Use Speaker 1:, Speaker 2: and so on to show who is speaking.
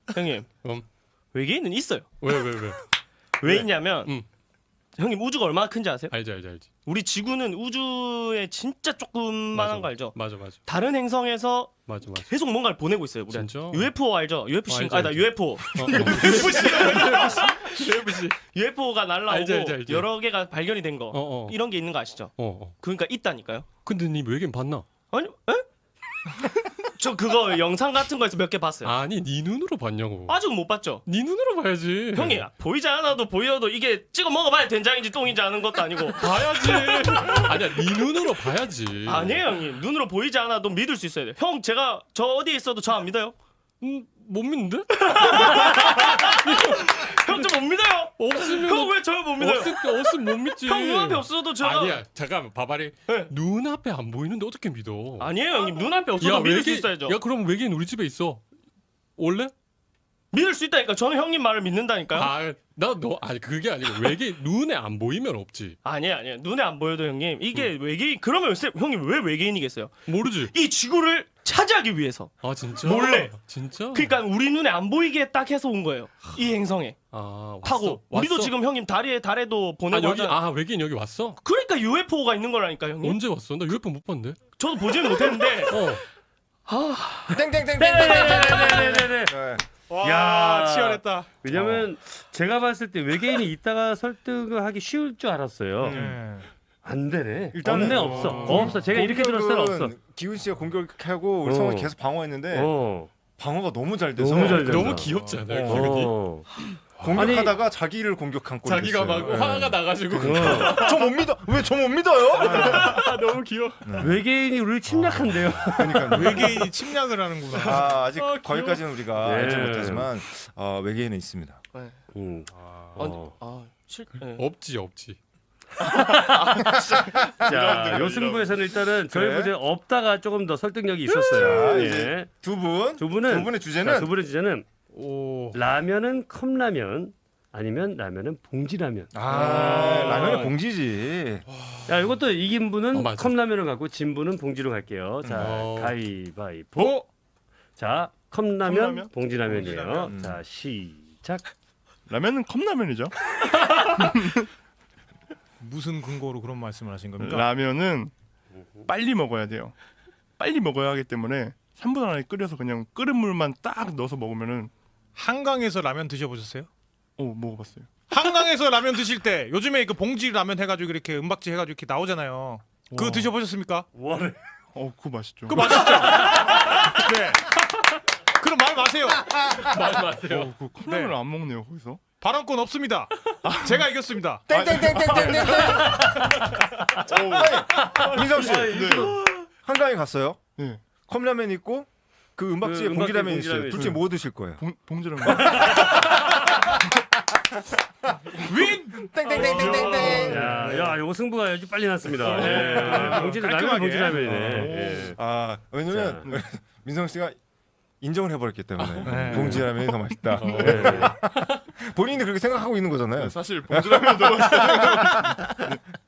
Speaker 1: 형님 외계인은 있어요.
Speaker 2: 왜?
Speaker 1: 왜 있냐면 형님 우주가 얼마나 큰지 아세요?
Speaker 2: 알지.
Speaker 1: 우리 지구는 우주에 진짜 조그만한 거 알죠?
Speaker 2: 맞아.
Speaker 1: 다른 행성에서
Speaker 2: 맞아.
Speaker 1: 계속 뭔가를 보내고 있어요. 우리
Speaker 2: 진짜?
Speaker 1: UFO 알죠? UFC
Speaker 2: 알지,
Speaker 1: 아나
Speaker 2: 알지.
Speaker 1: UFO
Speaker 2: UFC.
Speaker 1: UFO가 날라오고
Speaker 2: 알지.
Speaker 1: 여러 개가 발견이 된 거 이런 게 있는 거 아시죠? 그러니까 있다니까요.
Speaker 2: 근데 니 외계인 봤나?
Speaker 1: 아니 에? 저 그거 영상 같은 거에서 몇 개 봤어요.
Speaker 2: 아니 니 눈으로 봤냐고.
Speaker 1: 아직은 못 봤죠.
Speaker 2: 니 눈으로 봐야지.
Speaker 1: 형이 보이지 않아도 보여도 이게 찍어 먹어봐야 된장인지 똥인지 아는 것도 아니고.
Speaker 2: 봐야지. 아니야 니 눈으로 봐야지.
Speaker 1: 아니에요 형님. 눈으로 보이지 않아도 믿을 수 있어야 돼요. 형 제가 저 어디에 있어도 저 안 믿어요?
Speaker 2: 못 믿는데?
Speaker 1: 형 저 못 믿어요.
Speaker 2: 없으면
Speaker 1: 형 왜 저 못 믿어요?
Speaker 2: 없으면 못 믿지.
Speaker 1: 형 눈앞에 없어도 저
Speaker 2: 아니야 잠깐만 봐봐리.
Speaker 1: 네.
Speaker 2: 눈앞에 안 보이는데 어떻게 믿어?
Speaker 1: 아니에요 형님. 눈앞에 없어도 믿을 수 있어야죠.
Speaker 2: 야 그럼 외계인 우리 집에 있어. 올래?
Speaker 1: 믿을 수 있다니까. 저는 형님 말을 믿는다니까요.
Speaker 2: 아니 그게 아니고 외계인 눈에 안 보이면 없지.
Speaker 1: 아니에요. 눈에 안 보여도 형님. 이게 외계인 그러면 형님 왜 외계인이겠어요?
Speaker 2: 모르지.
Speaker 1: 이 지구를 차지하기 위해서.
Speaker 2: 아 진짜?
Speaker 1: 몰래.
Speaker 2: 진짜?
Speaker 1: 그러니까 우리 눈에 안 보이게 딱 해서 온 거예요. 이 행성에.
Speaker 2: 왔어.
Speaker 1: 하고 우리도 지금 형님 달에도 보내고
Speaker 2: 여기
Speaker 1: 하잖아요.
Speaker 2: 외계인 여기 왔어?
Speaker 1: 그러니까 UFO가 있는 거라니까 형님.
Speaker 2: 언제 왔어? 나 UFO 못 봤는데.
Speaker 1: 저도 보지는 못했는데.
Speaker 3: 땡땡땡땡.
Speaker 4: 네네네네네.
Speaker 3: 네.
Speaker 4: 야,
Speaker 5: 치열했다.
Speaker 4: 왜냐면 제가 봤을 때 외계인이 있다가 설득을 하기 쉬울 줄 알았어요. 안 되네.
Speaker 3: 일단은
Speaker 4: 없어. 제가 이렇게 들었을 때는 없어.
Speaker 3: 기훈 씨가 공격하고 우리 성훈이 계속 방어했는데 방어가 너무 잘 돼서
Speaker 4: 너무 잘 된다.
Speaker 2: 너무 귀엽지 않아요? 기분이?
Speaker 3: 공격하다가 자기를 공격한 꼴이
Speaker 2: 자기가 막
Speaker 3: 됐어요.
Speaker 2: 화가 나가지고
Speaker 3: 저 못 믿어. 왜 저 못 믿어요?
Speaker 2: 너무 귀여워.
Speaker 4: 외계인이 우리를 침략한대요.
Speaker 3: 그러니까
Speaker 5: 외계인이 침략을 하는구나.
Speaker 3: 아직 거기까지는 우리가
Speaker 4: 네.
Speaker 3: 알지 못하지만 외계인은 있습니다.
Speaker 4: 네.
Speaker 2: 없지.
Speaker 4: 자, 요 승부에서는 일단은 저희
Speaker 3: 그래?
Speaker 4: 부제 없다가 조금 더 설득력이 있었어요.
Speaker 3: 자,
Speaker 4: 예.
Speaker 3: 이제 두 분의
Speaker 4: 두
Speaker 3: 주제는
Speaker 4: 분의 주제는
Speaker 2: 오.
Speaker 4: 라면은 컵라면 아니면 라면은 봉지라면.
Speaker 3: 라면은 봉지지.
Speaker 4: 자, 이것도 이긴 분은
Speaker 2: 맞아.
Speaker 4: 컵라면을 갖고 진 분은 봉지로 갈게요. 자, 가위바위보.
Speaker 2: 보.
Speaker 4: 자, 컵라면,
Speaker 5: 컵라면?
Speaker 4: 봉지라면이에요.
Speaker 5: 봉지라면.
Speaker 4: 자, 시작.
Speaker 6: 라면은 컵라면이죠.
Speaker 5: 무슨 근거로 그런 말씀을 하신 겁니까?
Speaker 6: 라면은 빨리 먹어야 돼요. 빨리 먹어야 하기 때문에 3분 안에 끓여서 그냥 끓은 물만 딱 넣어서 먹으면은
Speaker 5: 한강에서 라면 드셔보셨어요?
Speaker 6: 먹어봤어요.
Speaker 5: 한강에서 라면 드실 때 요즘에 그 봉지 라면 해가지고 이렇게 은박지 해가지고 이렇게 나오잖아요. 그거
Speaker 6: 와.
Speaker 5: 드셔보셨습니까?
Speaker 4: 뭐래?
Speaker 6: 그거 맛있죠.
Speaker 5: 그거 맛있죠? 네. 그럼 말 마세요.
Speaker 2: 말 마세요.
Speaker 6: 그 컵라면을
Speaker 5: 네.
Speaker 6: 안 먹네요 거기서.
Speaker 5: 발언권 없습니다. 제가 이겼습니다.
Speaker 3: 땡땡땡땡땡땡. 민성 씨, 한강에 갔어요.
Speaker 6: 네.
Speaker 3: 컵라면 있고 그 은박지에
Speaker 4: 그
Speaker 3: 봉지라면
Speaker 4: 은박지
Speaker 3: 있어요.
Speaker 4: 봉지라면
Speaker 3: 둘 중에 뭐 드실 거예요?
Speaker 6: 봉지라면.
Speaker 5: 윈!
Speaker 3: 땡땡땡땡땡땡.
Speaker 4: 야, 요거 승부가 아주 빨리 났습니다. 봉지 라면
Speaker 5: 깔끔하게.
Speaker 4: 봉지라면이네. 예.
Speaker 3: 왜냐면 민성 씨가 인정을 해버렸기 때문에
Speaker 5: 네.
Speaker 3: 봉지라면이 더 맛있다.
Speaker 4: 네.
Speaker 3: 본인이 그렇게 생각하고 있는 거잖아요.
Speaker 6: 사실 봉지라면 더 맛있다.